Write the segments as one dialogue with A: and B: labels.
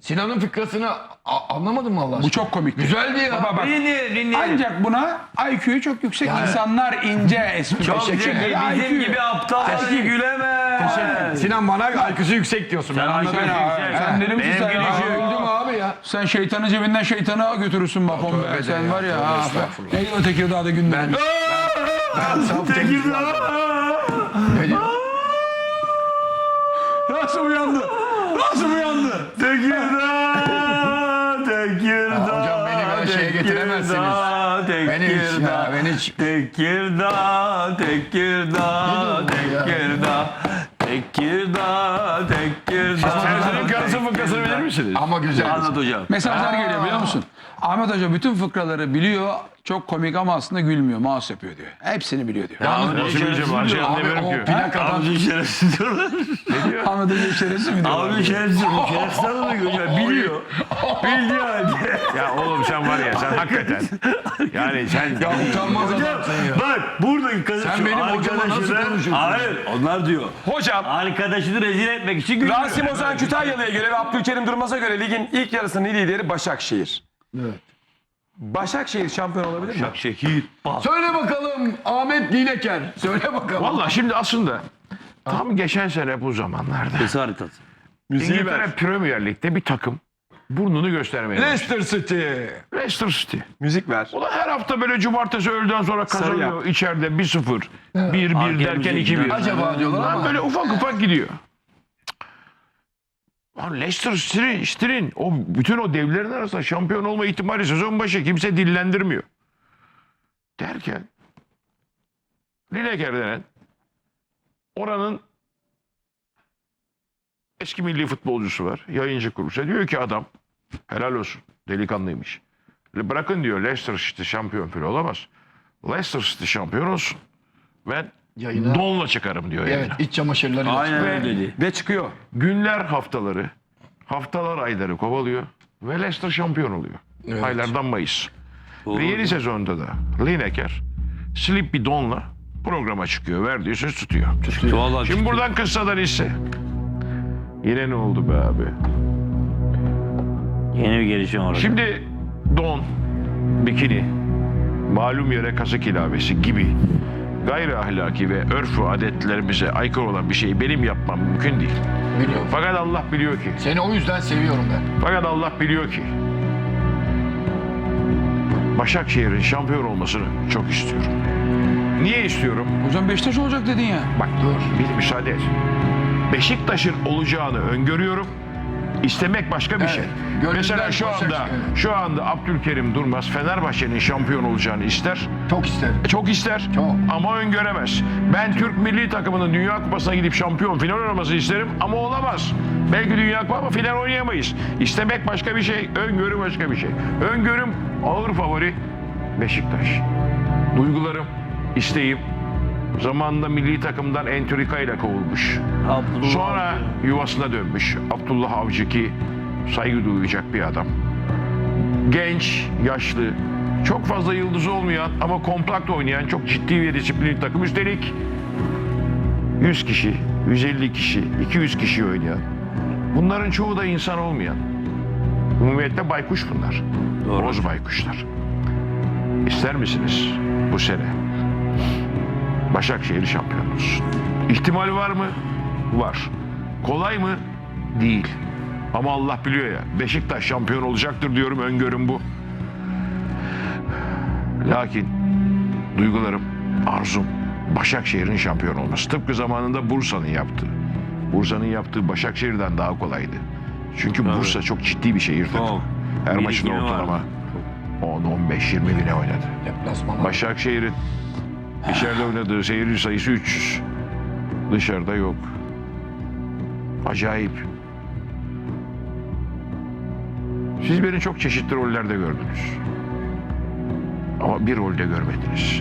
A: Sinan'ın fıkrasını anlamadım mı Allah aşkına?
B: Bu çok komikti.
A: Güzeldi ya.
B: Baba bak.
C: Dinleyelim.
B: Ancak buna IQ'yu çok yüksek insanlar ince espri.
C: Çok
B: Teşekkür
C: zeki.
B: ederim.
C: Bizim
B: IQ.
C: gibi aptal gülemez.
A: Sinan bana IQ'su yüksek diyorsun. Ben anladım.
C: IQ'su yüksek.
B: Sen deli misin sen?
C: Benim
B: ya?
C: gülüşüm-
A: Öldüm abi ya.
B: Sen şeytanı cebinden şeytana götürürsün bak on be.
A: tövbe de
B: Sen
A: ya,
B: var ya.
A: tövbe
B: Ha,
A: estağfurullah.
B: neydi o Tekirdağ'da gündem?
A: Ben saf temiz Ne diyor?
B: Nasıl uyandı? Nasıl uyandı?
C: Tekirdağ, Tekirdağ.
A: Hocam beni böyle şeye getiremezsiniz. Beni hiç ya, beni hiç.
C: Tekirdağ, Tekirdağ,
A: Ne diyor bu ya?
C: Tekirdağ. Tekirdağ, Tekirdağ.
D: Serser'in karısı fıkrasını bilir misiniz?
A: Ama güzel.
C: Anlat hocam.
B: Mesajlar geliyor biliyor musun? Ahmet Hoca bütün fıkraları biliyor. Çok komik ama aslında gülmüyor. Mouse yapıyor diyor. Hepsini biliyor diyor.
D: Nasıl bileceğim? Her şeyi
A: Abi
D: anlayamıyorum
A: o
D: ki.
A: plakadan
C: Abi şerefsiz diyorlar.
B: Ahmet Hoca şerefsiz mi diyor?
C: Abi şerefsiz. Şerefsiz anlamıyor hocam. Biliyor. Bildiği halde.
D: Ya oğlum sen var ya sen hakikaten. Yani sen
A: ya utanmaz adamsın ya.
C: Bak buradaki kadın
A: Sen
C: şu
A: benim hocama nasıl
C: arkadaşını-
A: konuşuyorsun?
C: Hayır onlar diyor.
E: Hocam
C: Arkadaşını rezil etmek için gülüyor.
E: Rasim Ozan Kütahyalı'ya göre ve Abdülkerim Durmaz'a göre ligin ilk yarısının lideri Başakşehir.
A: Evet.
E: Başakşehir şampiyon olabilir mi?
C: Şehir. Bak.
A: Söyle bakalım Ahmet Dileker. Söyle bakalım.
D: valla şimdi aslında tam geçen sene bu zamanlarda
C: Kısa haritası.
D: İngiltere Premier Lig'de bir takım burnunu göstermeye başladı.
A: Leicester City.
D: Leicester City.
E: Müzik ver.
D: O da her hafta böyle cumartesi öğleden sonra kazanıyor.
E: yap.
D: İçeride 1-0, 1-1
C: Hakem
D: derken
C: müziği
D: 2-1.
A: Acaba diyorlar ama.
D: Böyle ufak ufak gidiyor. Lan Leicester City'nin o bütün o devlerin arasında şampiyon olma ihtimali sezon başı kimse dillendirmiyor. Derken Lineker denen oranın eski milli futbolcusu var. Yayıncı kuruluşa diyor ki adam helal olsun delikanlıymış. Bırakın diyor Leicester City şampiyon falan olamaz. Leicester City şampiyon olsun. Ben
A: Yayına.
D: donla çıkarım diyor
A: Evet,
D: yayına.
A: iç çamaşırları.
C: Aynen öyle dedi.
E: Ve çıkıyor.
D: Günler haftaları, haftalar ayları kovalıyor ve Leicester şampiyon oluyor.
A: Evet.
D: Aylardan Mayıs. Ve yeni sezonda da Lineker slip bir donla programa çıkıyor. Verdiği söz tutuyor.
C: Vallahi
D: Şimdi buradan kıssadan hisse. Yine ne oldu be abi?
C: yeni bir gelişim var.
D: Şimdi don, bikini, malum yere kazık ilavesi gibi gayri ahlaki ve örf ve adetlerimize aykırı olan bir şeyi benim yapmam mümkün değil.
A: Biliyorum.
D: Fakat Allah biliyor ki,
A: Seni o yüzden seviyorum ben.
D: fakat Allah biliyor ki Başakşehir'in şampiyon olmasını çok istiyorum. Niye istiyorum?
B: Hocam Beşiktaş olacak dedin ya.
D: Bak dur, bir müsaade et. Beşiktaş'ın olacağını öngörüyorum. İstemek başka bir
A: Evet,
D: şey.
A: gönülden
D: Mesela şu anda Abdülkerim Durmaz Fenerbahçe'nin şampiyon olacağını ister.
A: Çok isterim.
D: Çok ister
A: Çok.
D: ama öngöremez. Ben Türk milli takımının Dünya Kupası'na gidip şampiyon final oynamasını isterim ama olamaz. Belki Dünya Kupası ama final oynayamayız. İstemek başka bir şey, öngörü başka bir şey. Öngörüm ağır favori Beşiktaş. Duygularım, isteğim zamanında milli takımdan entrika ile kovulmuş.
C: Abdullah
D: Sonra yuvasına dönmüş. Abdullah Avcı ki saygı duyacak bir adam. Genç, yaşlı, çok fazla yıldızı olmayan ama kompakt oynayan çok ciddi ve disiplinli takım. Üstelik 100 kişi, 150 kişi, 200 kişi oynayan. Bunların çoğu da insan olmayan. Umumiyette baykuş bunlar. Boz baykuşlar. İster misiniz bu sene Başakşehir şampiyon olsun? İhtimal var mı? Var. Kolay mı? Değil. Ama Allah biliyor ya. Beşiktaş şampiyon olacaktır diyorum. Öngörüm bu. Lakin duygularım, arzum Başakşehir'in şampiyon olması. Tıpkı zamanında Bursa'nın yaptığı. Bursa'nın yaptığı Başakşehir'den daha kolaydı. Çünkü Bursa çok ciddi bir şehir takımı.
C: Çok.
D: Her
C: Bir
D: maçın
C: ikili
D: ortalama
C: var.
D: 10, 15, 20 bine oynadı.
A: Deplasmanlar.
D: Başakşehir'in içeride oynadığı seyirci sayısı 300. Dışarıda yok. Acayip. Siz beni çok çeşitli rollerde gördünüz. Ama bir rolde görmediniz.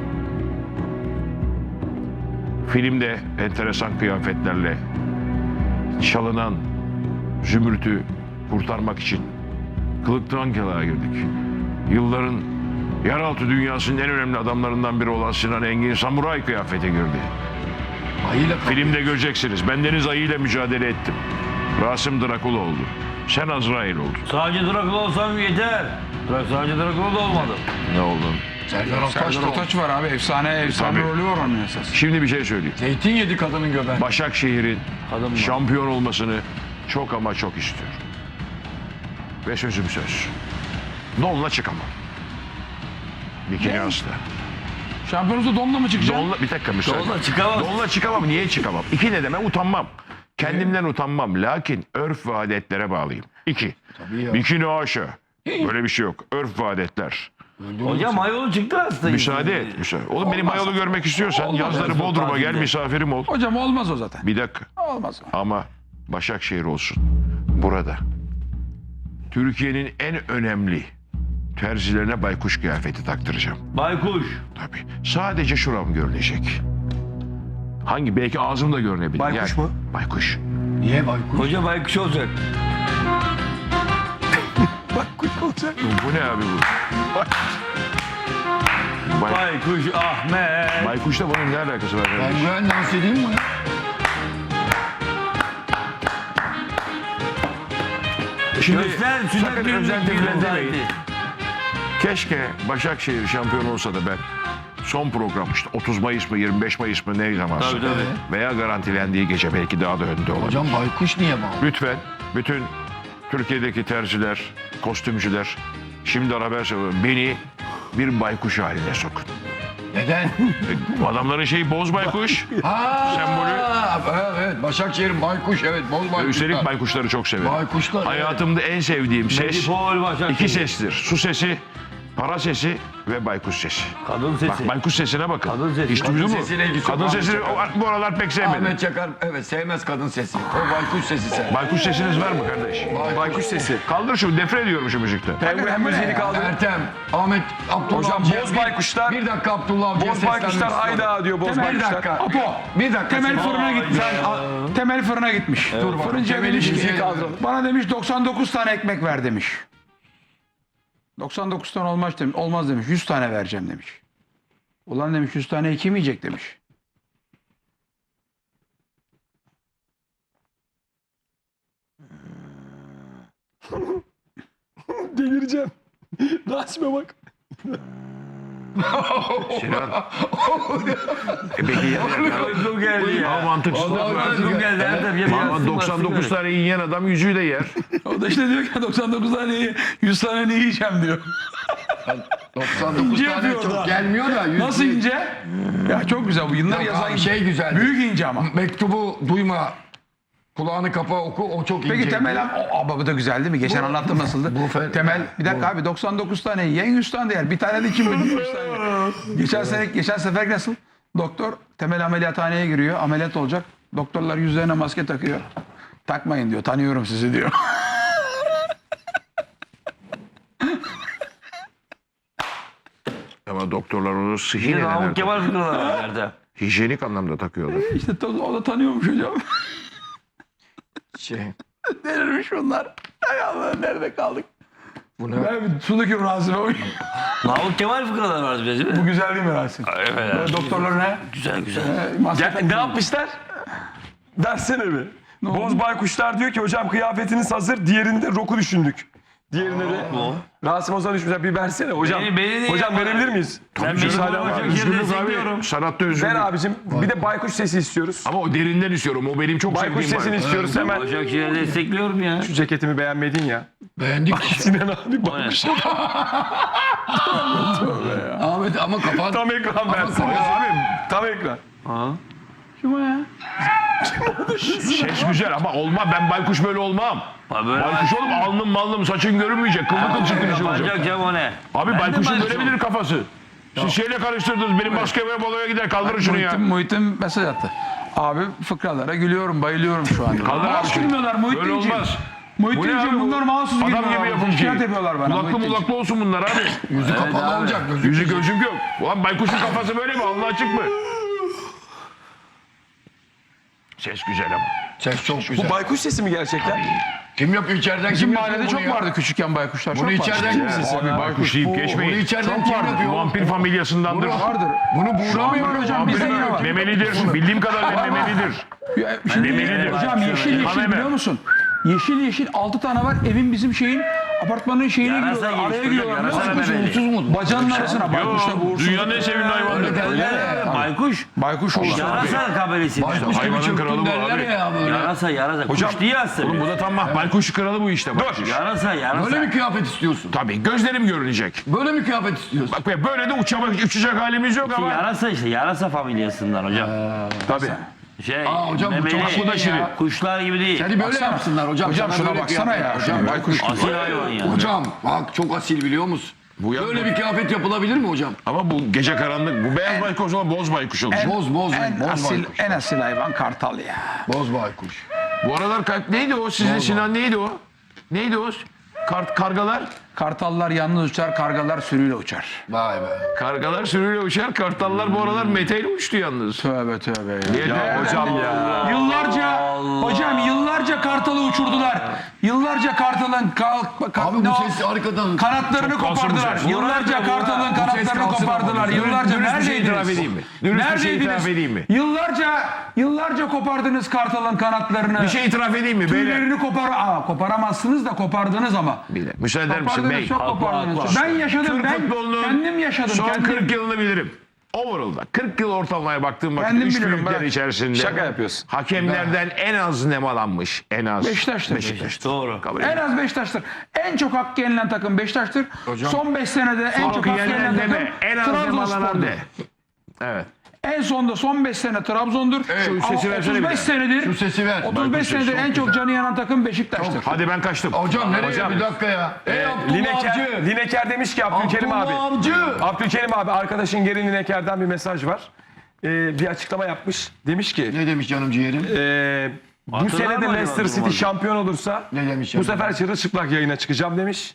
D: Filmde enteresan kıyafetlerle çalınan zümrütü kurtarmak için kılıktan kılığa girdik. Yılların yeraltı dünyasının en önemli adamlarından biri olan Sinan Engin samuray kıyafete girdi.
A: Ayıyla
D: Filmde göreceksiniz. Bendeniz ayıyla mücadele ettim. Rasim Drakula oldu. Sen Azrail oldun.
C: Sadece Drakula olsam yeter. Sadece Drakula da olmadım.
D: Ne oldun?
A: Serdar Ortaç
B: Serdar Ortaç var abi. Efsane
D: Tabii.
B: rolü var onun esas.
D: Şimdi bir şey söyleyeyim.
A: Zeytin yedi kadının göbeği.
D: Başakşehir'in şampiyon olmasını çok ama çok istiyorum. Ve sözüm söz. Donla çıkamam. Bikini asla.
B: Şampiyonuzda donla mı çıkacaksın?
D: Donla, bir dakika müsaade.
C: Donla çıkamaz.
D: Donla çıkamam. Niye çıkamam? İki ne demek? Utanmam. Kendimden utanmam. Lakin örf ve adetlere bağlıyım. İki.
A: ya.
D: Bikini haşa. Böyle bir şey yok. Örf ve adetler.
C: Hocam mayolu çıktı aslında.
D: Müsaade et. Müsaade. Oğlum benim mayolu görmek istiyorsan yazları Bodrum'a gel misafirim ol.
B: Hocam olmaz o zaten.
D: Bir dakika.
B: Olmaz o.
D: Ama Başakşehir olsun. Burada. Türkiye'nin en önemli terzilerine baykuş kıyafeti taktıracağım.
C: Baykuş.
D: Tabii. Sadece şuram görünecek. Hangi? Belki ağzım da görünebilir.
E: Baykuş mu?
D: Baykuş.
A: Niye baykuş?
C: Hoca baykuş olacak.
D: Bu ne abi bu?
C: Baykuş Ahmet.
D: Baykuşla bunun ne alakası var?
A: Ben
D: kardeşim?
A: ben dans edeyim mi?
D: Şimdi
C: Göster,
D: sakın
C: sünnet düğünü
D: özel demeyin.
C: demeyin.
D: Keşke Başakşehir şampiyon olsa da ben son program işte 30 Mayıs mı 25 Mayıs mı ne zamansa
C: Tabii, tabii.
D: veya garantilendiği gece belki daha da önde olabilir.
A: Hocam baykuş niye bağlı?
D: Lütfen bütün Türkiye'deki terziler, kostümcüler şimdiden haber söylüyorum. Beni bir baykuş haline sokun.
A: Neden?
D: Adamların şeyi boz baykuş.
A: Ha,
D: Sembolü.
A: Evet, Başakşehir baykuş, evet, boz baykuşlar.
D: Üstelik baykuşları çok severim.
A: Baykuşlar,
D: Hayatımda en sevdiğim ses
C: Medipol Başakşehir.
D: iki sestir. Su sesi, para sesi ve baykuş sesi.
C: Kadın sesi.
D: Bak baykuş sesine bakın.
C: Kadın sesi.
D: Hiç
C: Kadın
D: duydun mu?
A: sesine ilgisi yok.
D: Kadın
A: Ahmet
D: sesini
A: Çakar.
D: bu aralar pek sevmedim.
A: Ahmet Çakar, evet, sevmez kadın sesi. O baykuş sesi sever.
D: Baykuş sesiniz var mı kardeş?
E: Baykuş sesi.
D: Kaldır şu nefret ediyorum şu müzikten.
E: Hem müziğini kaldır.
A: Ertem, Ahmet, Abdullah
E: Hocam
A: Avcı'ya
E: boz
A: bir-
E: baykuşlar.
A: Bir dakika Abdullah Avcı'ya
E: Boz baykuşlar
A: seslenmek istiyorum.
E: hayda diyor boz
A: Bir
E: baykuşlar.
A: dakika.
B: Apo.
A: Bir dakika.
B: Temel
A: sen-
B: fırına gitmiş. Temel fırına gitmiş.
A: Dur bakalım.
B: Fırıncıya
A: Temeli
B: demiş
A: müziği
B: ki
A: kaldıralım.
B: bana demiş 99 tane ekmek ver demiş. 99 tane olmaz demiş. 100 tane vereceğim demiş. Ulan demiş 100 tane kim yiyecek demiş.
E: Delireceğim. Rasim'e bak.
D: Sinan. Peki ya.
C: Uykum geldi ya.
D: Ama mantıksız.
C: Uykum geldi Erdem. Ya
D: Ama
C: biraz
D: 99 tane yiyen adam yüzüğü de yer.
B: O da işte diyor ki 99 tane 100 tane ne yiyeceğim diyor.
A: 99
B: İnce
A: tane
B: yapıyor
A: çok
B: da.
A: gelmiyor da.
B: Nasıl ince? Ya çok güzel bu yıllar
A: Yok
B: yazan
A: abi, şey güzel.
B: büyük ince ama.
A: Mektubu duyma. Kulağını kapa oku, o çok ince.
B: Peki Temel abi bu da güzel değil mi? Geçen anlattım nasıldı? Temel bir dakika abi 99 tane yiyen 100 tane de yer. Bir tane de kim bilir 100 tane yer. Geçen sefer nasıl? Doktor Temel ameliyathaneye giriyor. Ameliyat olacak. Doktorlar yüzlerine maske takıyor. Takmayın diyor. Tanıyorum sizi diyor.
D: Ama doktorlar onu sıhhi
C: Yine
D: nedenler
C: Namık Kemal fıkraları var Erdem.
D: hijyenik anlamda takıyorlar.
B: İşte o da tanıyormuş hocam.
A: Şey,
B: Delirmiş bunlar. Hay Allah nerede kaldık?
A: bu ne?
B: Ben bir su döküyorum Rasim'e.
C: Namık Kemal fıkraları var biraz değil mi?
B: Bu güzel değil mi Rasim?
C: Evet.
B: Böyle doktorlar ne?
C: Güzel güzel.
B: Maske
E: Ya, ne yapmışlar? Dersene bir. Boz baykuşlar diyor ki hocam kıyafetiniz hazır. Diğerinde roku düşündük. Diğerinde de Rasim Ozan düşmüşler. Bir versene hocam.
C: Beni
E: Hocam
C: niye-
E: verebilir miyiz?
C: Ben
E: Müsaade
C: benim
E: var.
C: Başakşehir'i
D: Üzgünüz
C: destekliyorum.
D: abi. Sanatta
E: Ver
D: üzgünüm.
E: abicim. Bir de baykuş sesi istiyoruz.
D: Ama o derinden istiyorum. O benim çok
E: Baykuş
D: sevdiğim
E: sesini
D: baykuş.
E: istiyoruz hemen.
C: Başakşehir'i destekliyorum ya.
E: Şu ceketimi beğenmedin ya.
A: Beğendik.
E: Sinan abi baykuş.
A: Ahmet ama kapat.
E: Tam ekran versin.
D: Abi
E: Tam ekran.
B: Kim o ya?
D: ses güzel ama olmam. Ben baykuş böyle olmam.
C: Ha, böyle
D: Baykuş olup alnım malnım saçın görünmeyecek. Kıllı kılçık kılıcı olacak.
C: Yapacak Cem o ne?
D: Abi
C: Ben de
D: baykuşun
C: baykuş
D: görebilir kafası. Siz şeyle karıştırdınız. Benim basketbol baloya gider. Kaldırın şunu ya.
B: Muhittin mesaj attı. Abi fıkralara gülüyorum, bayılıyorum şu anda.
D: Kaldır abi
B: Mahsus
D: şunu.
B: gülmüyorlar
D: Böyle
B: Muhittinciğim.
D: olmaz.
B: Muhittinciğim bunlar mahsus gülüyorlar.
D: Adam gibi yapın
B: Şikayet
D: ki.
B: yapıyorlar bana.
D: Kulaklı
B: Muhittinciğim.
D: mulaklı olsun bunlar abi.
A: Yüzü kapalı
C: abi.
A: olacak. Gözü.
D: Yüzü gözüm yok. Ulan baykuşun kafası böyle mi? Allah açık mı? Ses güzel ama.
A: Ses çok güzel.
E: Bu baykuş sesi mi gerçekten?
A: Kim yapıyor içeriden?
B: Bizim
A: Kim yapıyor
B: mahallede
A: bunu
B: çok
A: ya?
B: vardı küçükken baykuşlar.
A: Bunu
B: çok
A: içeriden
B: vardı.
A: kimsin sen?
D: Abi baykuş deyip
A: Bunu
D: geçmeyin.
A: içeriden kim yapıyor?
D: Vampir familyasındandır.
B: Vardır.
A: Bunu buğulamıyor
B: hocam bizde yine var.
D: Memelidir. Bildiğim kadarıyla memelidir.
B: Şimdi
D: Memelidir.
B: hocam yeşil
D: Haneme.
B: biliyor musun? Yeşil yeşil 6 tane var. Evin bizim şeyin apartmanın şeyine
C: Yarasa
B: giriyorlar. Araya
C: gelişti hocam,
B: giriyorlar.
C: yarasa
B: Nasıl
C: memeli.
B: uğursuz mu? Bacağının arasına baykuşla bu uğursuz.
D: Dünyanın en sevimli hayvanı.
C: Baykuş.
B: Baykuş olur.
C: Yarasa kabilesi.
D: Hayvanın kralı bu abi.
C: Yarasa.
E: Hocam,
C: Kuş diye aslında.
D: Oğlum bu da tam baykuş kralı bu işte. Dur.
C: Yarasa.
A: Böyle bir kıyafet istiyorsun.
D: Tabii gözlerim görünecek.
A: Böyle bir kıyafet istiyorsun.
D: Bak be, böyle de uçacak halimiz yok ama.
C: Yarasa işte. Yarasa familyasından hocam.
E: Tabii.
C: Şey,
A: Hocam bu çok
C: memeli,
A: şirin ya.
C: kuşlar gibi değil.
A: Seni böyle yapsınlar hocam.
B: Hocam
A: Sana
B: şuna
A: böyle
B: baksana
A: kıyafet.
B: ya.
A: Hocam,
B: Baykuş.
C: Asil hayvan ya.
A: hocam bak çok asil biliyor musun?
D: Bu ya-
A: Böyle bir kıyafet yapılabilir mi hocam?
D: Ama bu gece karanlık. Bu beyaz baykuş o zaman boz baykuş olacak.
A: Boz
B: En asil hayvan kartal ya.
A: Boz baykuş.
D: Bu aralar neydi o? Sizin Sinan neydi o? Neydi o? Kargalar.
B: Kartallar yalnız uçar, kargalar sürüyle uçar.
A: Vay be.
D: Kargalar sürüyle uçar. Kartallar bu aralar meteyle uçtu yalnız.
B: Tövbe tövbe ya.
E: Ya hocam ya.
B: Yıllarca kartalı uçurdular. Yıllarca kartalın
A: Abi bu ses arkadan.
B: kanatlarını kopardılar.
D: ses.
B: Yıllarca kartalın kanatlarını
A: kalsın
B: kopardılar.
A: ama.
B: Yıllarca
D: Dürüst bir şey itiraf
B: neredeydiniz?
D: edeyim mi? Dürüst bir şey itiraf edeyim mi?
B: Yıllarca kopardınız kartalın kanatlarını.
D: Bir şey itiraf edeyim mi? Beyler.
B: Tüylerini koparamazsınız da kopardınız ama.
D: Bir dakika, müsaade eder misin
B: Kopardınız,
D: bey?
B: çok kopardınız. Ben yaşadım,
D: Türk
B: ben
D: futbolunun
B: kendim yaşadım.
D: Son
B: kendim.
D: 40 yılını bilirim. Overall'da 40 yıl ortalamaya baktığım vakit
B: Kendim
D: 3
B: bilirim,
D: büyükler
B: bırak.
D: içerisinde
E: Şaka yapıyorsun.
D: hakemlerden en az nemalanmış. En az.
B: Beşiktaş'tır.
C: Doğru.
D: Kabul
B: En
D: ediyorum.
B: az Beşiktaş'tır. En çok hak yenilen takım Beşiktaş'tır. Son 5 senede en çok hak
D: Yenilen
B: yenilen takım
D: deme. En az nemalanan
B: Trabzonspor'dur.
D: de. Evet.
B: En sonda son 5 sene Trabzon'dur.
D: Şu
B: Ama
D: sesi versene bir
B: 35
D: daha.
B: senedir.
A: Şu sesi ver.
B: 35 senedir en çok canı yanan takım Beşiktaş'tır.
D: Hadi ben kaçtım.
A: Hocam nereye?
E: Hocam.
A: Bir dakika ya. Abdullah
E: Lineker,
A: Avcı.
E: Lineker demiş ki Abdülkerim abi.
A: Abdullah Avcı.
E: Abdülkerim abi arkadaşın Geri Lineker'den bir mesaj var. Bir açıklama yapmış. Demiş ki
A: Ne demiş canım ciğerim?
E: bu
C: Hatırlar
E: sene de
C: mı
E: Leicester
C: acaba
E: City
C: durmadan?
E: şampiyon olursa
A: Ne demiş
E: bu
A: ya?
E: sefer çırılçıplak yayına çıkacağım demiş.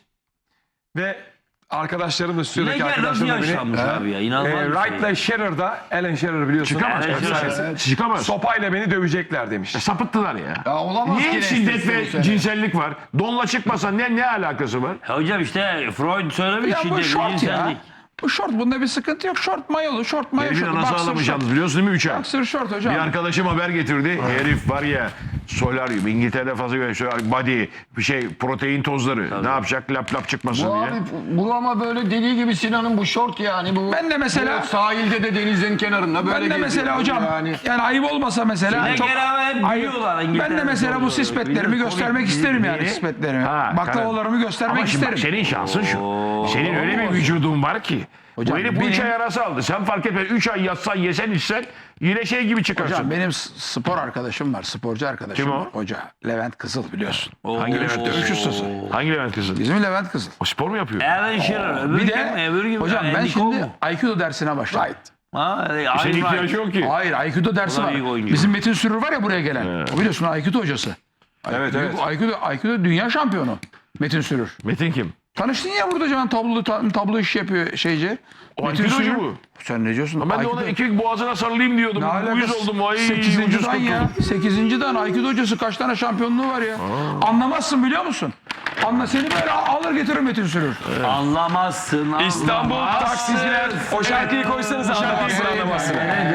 E: Ve arkadaşlarım da stüdyodaki
C: Leker nasıl
E: arkadaşlarım da beni
C: yaşlanmış abi ya? İnanılmaz bir şey.
E: Wright'la Scherrer'da, Alan Shearer biliyorsun.
D: Çıkamaz.
C: Evet,
E: Efsanesi.
D: Çıkamaz.
E: Sopayla beni dövecekler demiş.
D: Sapıttılar ya.
A: Ya olamaz
D: Niye
A: ki
D: şiddet
A: Leicester bu
D: ve
A: sene.
D: cinsellik var? Donla çıkmasa ne alakası var?
C: Hocam işte Freud söylemiş
B: Ya bu
C: şiddet,
B: şort ya.
C: cinsellik.
B: Bu şort, bunda bir sıkıntı yok. Şort mayolu, şort mayo
D: Herifin
B: şortu.
D: anası
B: Boxer
D: ağlamış
B: şort.
D: yalnız biliyorsun değil mi 3 ay?
B: Boxer şort hocam.
D: Bir arkadaşım haber getirdi. Herif var ya solaryum İngiltere'de fazla göre body bir şey protein tozları. Ne yapacak? Lap çıkmasın
A: Bu
D: diye.
A: abi bu ama böyle dediği gibi Sinan'ın bu şort yani bu.
B: Ben de mesela-
A: bu sahilde de denizin kenarında böyle
B: Ben de
A: geziyor.
B: mesela hocam yani ayıp olmasa mesela
C: Leker
B: çok
C: abi hep
B: ayıp.
C: biliyorlar
B: Ben
C: İngiltere'de.
B: de mesela bu sispetlerimi göstermek isterim yani sispetlerimi.
D: Ha,
B: Baklavalarımı göstermek
D: Ama şimdi bak,
B: isterim.
D: senin şansın şu. Senin öyle bir vücudun var ki.
B: Hocam
D: bu herif bu 3
B: benim-
D: ay arası aldı. Sen fark etme 3 ay yatsan yesen içsen yine şey gibi çıkarsın.
B: Hocam benim spor arkadaşım var, sporcu arkadaşım
D: Kim o?
B: var. Hoca Levent Kızıl biliyorsun.
D: Hangi Levent?
B: Dövüş ustası.
D: Hangi Levent kızı?
B: Bizim Levent Kızıl.
D: O spor mu yapıyor?
C: Alan Shearer. Öbür
B: Bir
C: kim?
B: de
C: Öbür kim?
B: hocam ben
C: Andy Cole
B: şimdi
C: mu?
B: Aikido dersine başladım.
C: Ha,
D: Senin
C: Iron
D: ihtiyacı
C: Right.
D: yok ki.
B: Hayır Aikido dersi
C: O da
B: var.
C: büyük oyuncu.
B: Bizim Metin Sürür var ya buraya gelen. O biliyorsun Aikido hocası.
E: Evet, evet.
B: Aikido dünya şampiyonu. Metin Sürür.
D: Metin kim?
B: Tanıştın ya burada can tablo iş yapıyor şeyci.
D: O
B: Metin
D: Aikidocu
B: Sürür.
D: bu.
B: Sen ne diyorsun?
D: Ben de ona iki boğazına sarılayım diyordum. Uyuz oldum. Ay
B: 8.
D: ucuz
B: dan ya.
D: kurtuldum.
B: 8. dan Aikido hocası kaç tane şampiyonluğu var ya. Anlamazsın biliyor musun? Seni böyle alır getirir Metin Sürür.
C: Anlamazsın.
E: İstanbul taksiciler. O şarkıyı koysanız anlamazsın anlamazsın.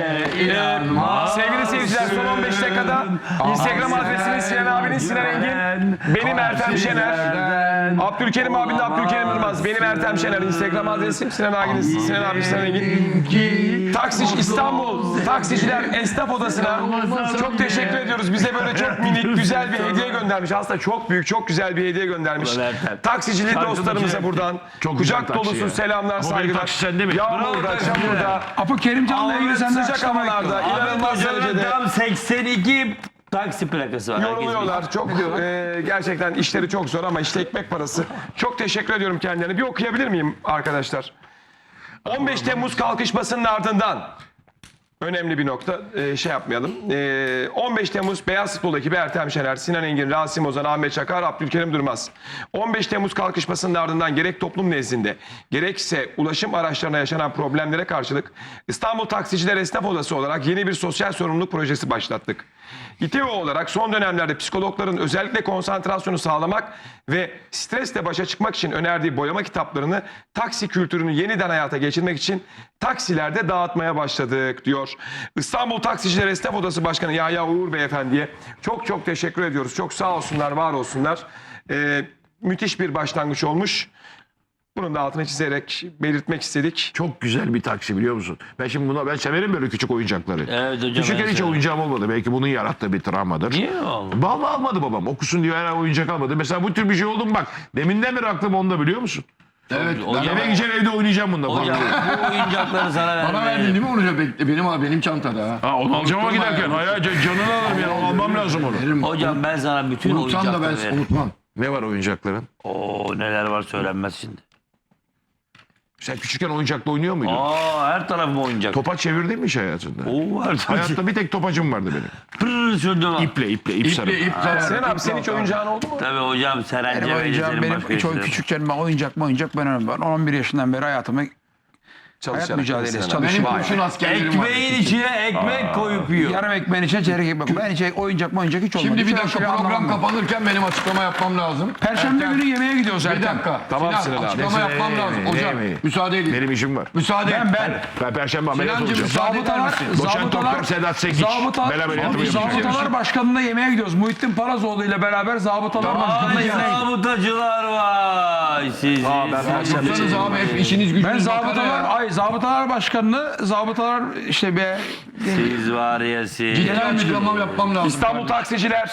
E: Sevgili seyirciler son 15 dakikada Instagram adresiniz Sinan abinin Sinan Engin. Benim Ertem Şener. Abdülkerim abinin Abdülkerim Yılmaz. Benim Ertem Şener. Instagram adresim Sinan abinin Sinan Engin. Taksici İstanbul Taksiciler Esnaf Odası'na çok teşekkür ediyoruz. Bize böyle çok minik güzel bir hediye göndermiş. Aslında çok büyük çok güzel bir hediye göndermiş. Taksicilik dostlarımıza buradan
D: Çok güzel
E: kucak
D: taksi
E: dolusu
D: ya.
E: selamlar
D: benim
E: saygılar.
D: taksi sende mi?
E: Yağmurda çamurda.
B: Apo Kerimcan'la ilgili senden
E: Sıcak
B: açıklama
E: havalarda
B: bekliyorum.
E: inanılmaz derecede
C: Tam 82 taksi plakası var. Herkes biliyor.
E: yoruluyorlar. Çok gerçekten işleri çok zor ama işte ekmek parası. Çok teşekkür ediyorum kendilerine. Bir okuyabilir miyim arkadaşlar? 15 Temmuz kalkışmasının ardından önemli bir nokta şey yapmayalım. 15 Temmuz Beyaz Futbol ekibi Ertem Şener, Sinan Engin, Rasim Ozan, Ahmet Çakar, Abdülkerim Durmaz. 15 Temmuz kalkışmasının ardından gerek toplum nezdinde gerekse ulaşım araçlarına yaşanan problemlere karşılık İstanbul Taksiciler Esnaf Odası olarak yeni bir sosyal sorumluluk projesi başlattık. İTEO olarak son dönemlerde psikologların özellikle konsantrasyonu sağlamak ve stresle başa çıkmak için önerdiği boyama kitaplarını taksi kültürünü yeniden hayata geçirmek için taksilerde dağıtmaya başladık diyor. İstanbul Taksiciler Esnaf Odası Başkanı Yahya Uğur Beyefendi'ye çok teşekkür ediyoruz. Çok sağ olsunlar, var olsunlar. Müthiş bir başlangıç olmuş. Bunun da altını çizerek belirtmek istedik.
D: Çok güzel bir taksi, biliyor musun? Ben severim böyle küçük oyuncakları.
C: Evet hocam,
D: Küçükken
C: ben
D: hiç
C: severim.
D: oyuncağım olmadı. Belki bunun yarattığı bir travmadır.
C: Niye oldu?
D: Vallahi almadı babam. Okusun diyor, her oyuncak almadı. Mesela bu tür bir şey oldu mu bak. Deminden beri aklım onda, biliyor musun?
A: Evet.
C: Hocam-
D: Eve gideceğim, evde oynayacağım bunda.
C: Hocam bu oyuncakları sana vermeye.
A: Bana verdin değil mi onu? Benim çantada ha.
D: Ha, onu alacağım ama
A: Unutturma
D: giderken.
A: ya.
D: Hayır, canını alırım ya. Almam lazım onu.
A: Veririm.
C: Hocam ben sana bütün
A: Unutsam da
C: oyuncakları
A: ben
C: veririm.
A: unutmam.
D: Ne var oyuncakların?
C: Oo neler var söylenmez şimdi.
D: Sen küçükken oyuncakla oynuyor muydun?
C: Her tarafım oyuncak.
D: Topa çevirdin mi hiç hayatında?
C: Oo her tarafım.
D: Hayatta bir tek topacım vardı benim.
C: Pırr sürdüm.
D: İp sarıp.
A: İp zarar.
E: Sen abi senin hiç oyuncağın oldu mu?
C: Tabii hocam Seren
B: Benim oyuncağım, benim
C: başka
B: hiç
C: işlerim.
B: küçükken ben oyuncak ben önemli. Ben 11 yaşından beri hayat
E: Çalışarak.
B: mücadelesi
E: Sinan abi.
A: Benim
B: çalışıyorum.
A: kurşun askerlerim var.
C: Ekmeğin içine ekmek koyup yiyor.
B: Yarım ekmeğin içine çeyrek ekmek. Ben hiç oyuncak hiç olmadı.
A: Şimdi bir
B: Şöyle
A: dakika
B: şöyle
A: program
B: anlamam.
A: kapanırken benim açıklama yapmam lazım.
B: Perşembe
A: Ertem,
B: günü yemeğe gidiyoruz
A: bir
B: Ertem.
A: dakika.
E: Tamam Sinan abi.
A: Açıklama yapmam lazım. Hocam müsaade edin.
D: Benim işim var.
A: Müsaade et.
D: Ben perşembe ameliyat
A: Sinancığım,
D: olacağım.
A: müsaade eder misin?
D: Doçent Doktor Sedat Sekiç. Bel ameliyatımı yapacağım.
B: Zabıtalar Başkanı'na yemeğe gidiyoruz. Muhittin Parazoğlu ile beraber Zabıtalar Başkanı'na
C: Ay
B: yemeğe gidiyoruz.
C: zabıtacılar var. Siz.
A: Yapsanız abi hep işiniz gücünüz.
B: Ben
A: makara ya.
B: Zabıtalar Başkanı'nı işte be
C: Siz var ya siz.
A: Ciddi açıklamam yapmam lazım.
E: İstanbul Taksiciler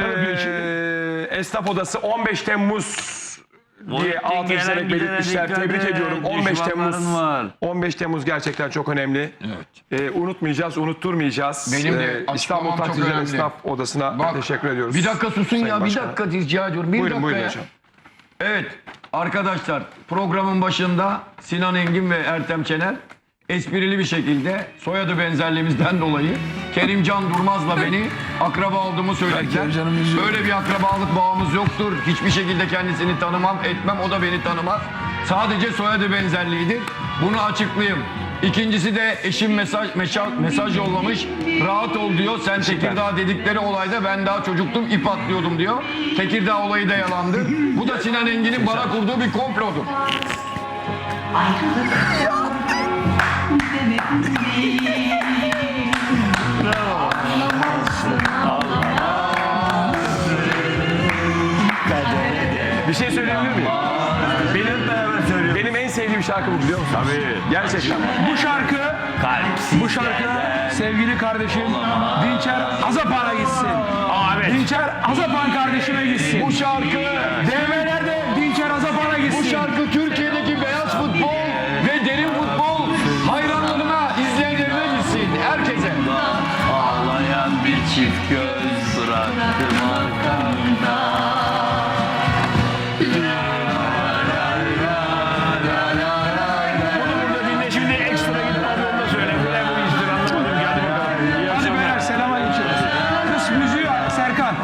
E: Esnaf Odası 15 Temmuz diye altı çizerek belirtmişler. Tebrik ediyorum. 15 Temmuz.
C: Var.
E: 15 Temmuz gerçekten çok önemli. Unutmayacağız, unutturmayacağız.
A: Benim de
E: İstanbul
A: açıklamam çok
E: Taksiciler
A: önemli.
E: Esnaf Odası'na
A: Bak,
E: teşekkür ediyoruz.
A: Bir dakika susun
E: Sayın
A: ya. Bir
E: Başkan.
A: dakika rica ediyorum. Bir
E: Buyurun
A: dakika
E: buyurun
A: ya.
E: hocam.
A: Evet arkadaşlar programın başında Sinan Engin ve Ertem Şener esprili bir şekilde soyadı benzerliğimizden dolayı Kerimcan Durmaz'la beni akraba olduğumu söylediler.
B: Kerimcan'ı üzüyorum.
A: Böyle bir akrabalık bağımız yoktur. Hiçbir şekilde kendisini tanımam, etmem. O da beni tanımaz. Sadece soyadı benzerliğidir. Bunu açıklayayım. İkincisi de eşim mesaj yollamış. Rahat ol diyor. Sen Tekirdağ dedikleri olayda ben daha çocuktum, ip atlıyordum diyor. Tekirdağ olayı da yalandı. Bu da Sinan Engin'in bana kurduğu bir komplodur.
E: Bir şey söyleyebilir miyim? Benim en sevdiğim şarkı bu, biliyor musun?
D: Tabii.
E: Gerçekten.
B: Bu şarkı sevgili kardeşim Dinçer Azapan'a gitsin. Dinçer Azapan kardeşime gitsin.
A: Bu şarkı
B: DV'lerde Dinçer Azapan'a gitsin.
A: Bu şarkı Türkiye'deki beyaz futbol ve derin futbol hayranlarına, izleyenlerine gitsin. Herkese.
C: Ağlayan bir çift göz bıraktım arkamda.
D: Burada dinle şimdi, ekstra gidip onu da söyle. Ne bu iştir anlamadım. Hadi bakalım. İyi
B: Hadi
D: akşamlar.
B: beyler selama geçiyoruz. Kız müziği Serkan.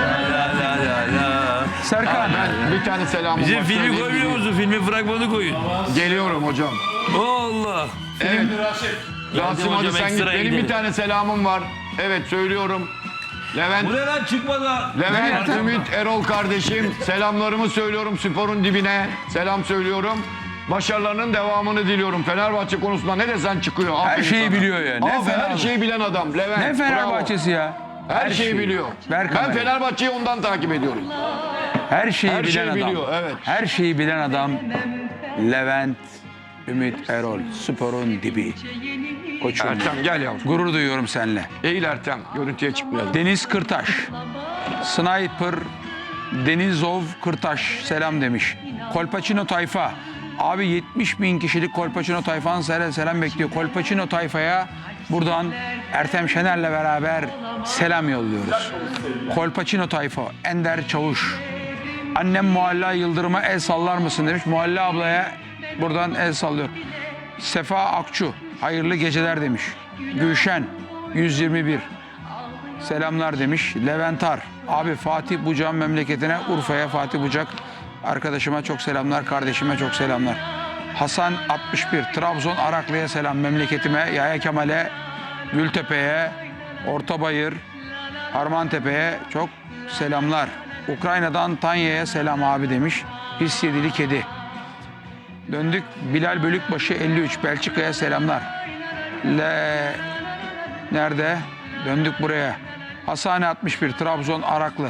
B: Serkan.
A: Bir tane selamım
C: Bizim
A: var.
C: filmi
A: Söyleyeyim.
C: koymuyor musun? Filmin fragmanı koyun.
A: Geliyorum hocam.
C: Allah.
A: Evet. Rasim hadi
C: hocam,
A: sen git.
C: ekstra
A: Benim
C: gidelim.
A: bir tane selamım var. Evet söylüyorum. Levent,
C: Bu ne lan çıkmadan?
A: Levent Ümit Erol kardeşim selamlarımı söylüyorum sporun dibine. Selam söylüyorum. Başarılarının devamını diliyorum. Fenerbahçe konusunda ne desen çıkıyor.
B: Her
A: Aferin
B: şeyi
A: sana.
B: biliyor ya. Ne
A: Aferin, her
B: Fenerbahçe.
A: şeyi bilen adam. Levent.
B: Ne
A: bravo.
B: Fenerbahçesi ya?
A: Her şeyi biliyor.
B: Ver
A: Ben
B: kamerayı.
A: Fenerbahçe'yi ondan takip ediyorum.
B: Her şeyi
A: Her
B: bilen
A: şeyi
B: adam.
A: biliyor, evet.
B: Her şeyi bilen adam Levent Ümit Erol. Sporun dibi. Koçum.
A: Ertem gel yavrum.
B: Gurur duyuyorum seninle.
A: Eğil Ertem. Görüntüye çıkmayalım.
B: Deniz Kırtaş. Sniper Denizov Kırtaş selam demiş. Kolpaçino tayfa. Abi 70 bin kişilik Kolpaçino tayfanın selam bekliyor. Kolpaçino tayfaya buradan Ertem Şener'le beraber selam yolluyoruz. Kolpaçino tayfa. Ender Çavuş. Annem Mualla Yıldırım'a el sallar mısın demiş. Mualla ablaya buradan el sallıyor. Sefa Akçu. Hayırlı geceler demiş. Gülşen 121. Selamlar demiş. Leventar. Abi Fatih Bucak'ın memleketine Urfa'ya Fatih Bucak. Arkadaşıma çok selamlar. Kardeşime çok selamlar. Hasan 61. Trabzon Araklı'ya selam. Memleketime. Yaya Kemal'e. Gültepe'ye. Ortabayır. Harmantepe'ye çok selamlar. Ukrayna'dan Tanya'ya selam abi demiş. Pis yedili kedi. Döndük Bilal Bölükbaşı 53. Belçika'ya selamlar. Nerede? Döndük buraya. Hasane 61, Trabzon Araklı.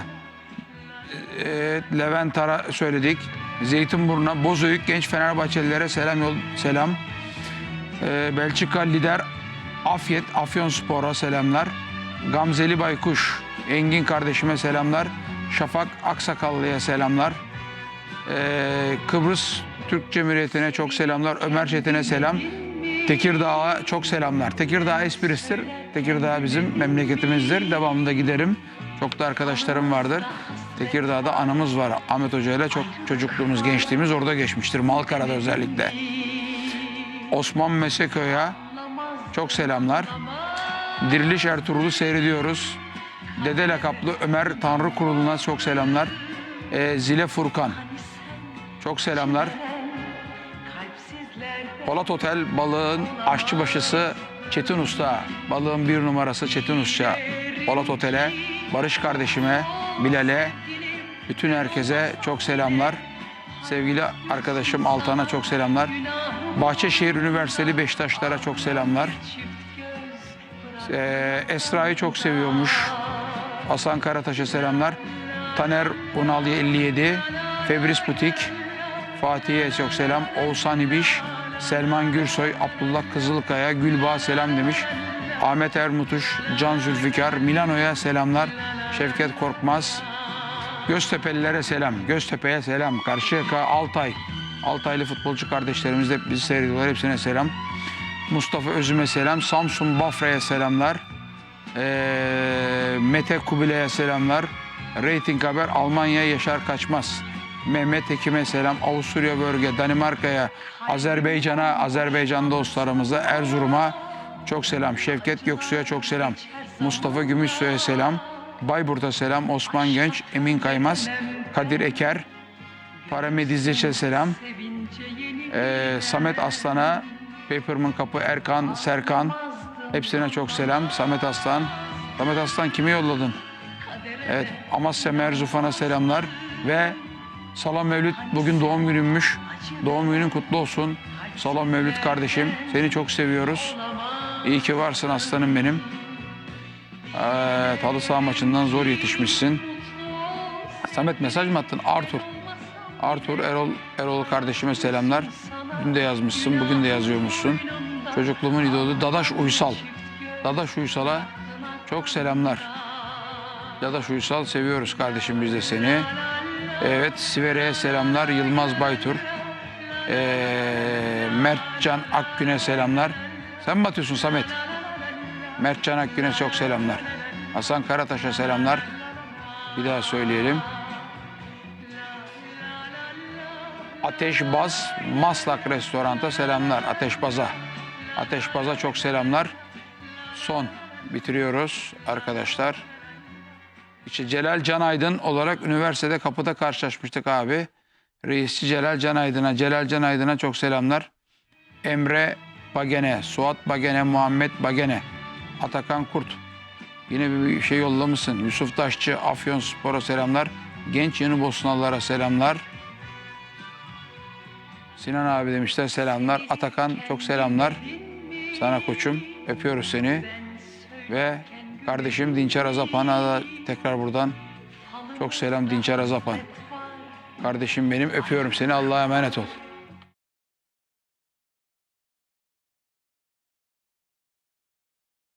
B: Levent Ara söyledik. Zeytinburnu'na, Bozüyük genç Fenerbahçelilere selam. Belçika lider Afyet, Afyonspor'a selamlar. Gamzeli Baykuş, Engin kardeşime selamlar. Şafak Aksakallı'ya selamlar. Kıbrıs Türk Cumhuriyeti'ne çok selamlar. Ömer Çetin'e selam. Tekirdağ'a çok selamlar. Tekirdağ esprisidir. Tekirdağ bizim memleketimizdir. Devamında giderim. Çok da arkadaşlarım vardır. Tekirdağ'da anımız var. Ahmet Hoca ile çok çocukluğumuz, gençliğimiz orada geçmiştir. Malkara'da özellikle. Osman Meseköy'e çok selamlar. Diriliş Ertuğrul'u seyrediyoruz. Dede lakaplı Ömer Tanrı Kurulu'na çok selamlar. Zile Furkan çok selamlar. Polat Otel balığın aşçıbaşısı Çetin Usta, balığın bir numarası Çetin Usta. Polat Otel'e, Barış kardeşime, Bilal'e, bütün herkese çok selamlar. Sevgili arkadaşım Altan'a çok selamlar. Bahçeşehir Üniversiteli Beşiktaşlara çok selamlar. Esra'yı çok seviyormuş. Hasan Karataş'a selamlar. Taner Unal 57, Febris Butik, Fatih'e çok selam. Oğuzhan İbiş, Selman Gürsoy, Abdullah Kızılkaya, Gülbağ selam demiş. Ahmet Ermutuş, Can Zülfikar, Milano'ya selamlar. Şevket Korkmaz, Göztepe'lilere selam. Göztepe'ye selam. Karşıyaka, Altay. Altaylı futbolcu kardeşlerimiz de bizi seyrediyorlar. Hepsine selam. Mustafa Özüm'e selam. Samsun Bafra'ya selamlar. Mete Kubilay'a selamlar. Rating Haber Almanya Yaşar Kaçmaz. Mehmet Ekim'e selam. Avusturya Bölge, Danimarka'ya, Azerbaycan'a, Azerbaycan dostlarımıza, Erzurum'a çok selam. Şevket Göksu'ya çok selam. Mustafa Gümüşsoy'a selam. Bayburt'a selam. Osman Genç, Emin Kaymaz, Kadir Eker, Paramedizleç'e selam. Samet Aslan'a, Paperman Kapı, Erkan, Serkan, hepsine çok selam. Samet Aslan. Samet Aslan kimi yolladın? Evet, Amasya Merzufan'a selamlar ve Salam Mevlüt bugün doğum günümmüş. Doğum günün kutlu olsun. Salam Mevlüt kardeşim, seni çok seviyoruz. İyi ki varsın aslanım benim. Halı saha maçından zor yetişmişsin. Samet mesaj mı attın? Arthur Erol kardeşime selamlar. Dün de yazmışsın, bugün de yazıyormuşsun. Çocukluğumun idolü Dadaş Uysal. Dadaş Uysal'a çok selamlar. Dadaş Uysal, seviyoruz kardeşim biz de seni. Evet, Sivere'ye selamlar. Yılmaz Baytur. Mertcan Akgün'e selamlar. Sen mi atıyorsun Samet? Mertcan Akgün'e çok selamlar. Hasan Karataş'a selamlar. Bir daha söyleyelim. Ateşbaz Maslak Restorant'a selamlar. Ateşbaz'a çok selamlar. Son bitiriyoruz arkadaşlar. İşte Celal Canaydın olarak üniversitede kapıda karşılaşmıştık abi. Reisçi Celal Canaydın'a çok selamlar. Emre Bagene, Suat Bagene, Muhammed Bagene, Atakan Kurt. Yine bir şey yollamışsın. Yusuf Taşçı, Afyonspor'a selamlar. Genç Yeni Bosnalılara selamlar. Sinan abi demişler selamlar. Atakan çok selamlar. Sana koçum. Öpüyoruz seni. Ve kardeşim Dinçer Azapan'a da tekrar buradan çok selam Dinçer Azapan. Kardeşim benim, öpüyorum seni. Allah'a emanet ol.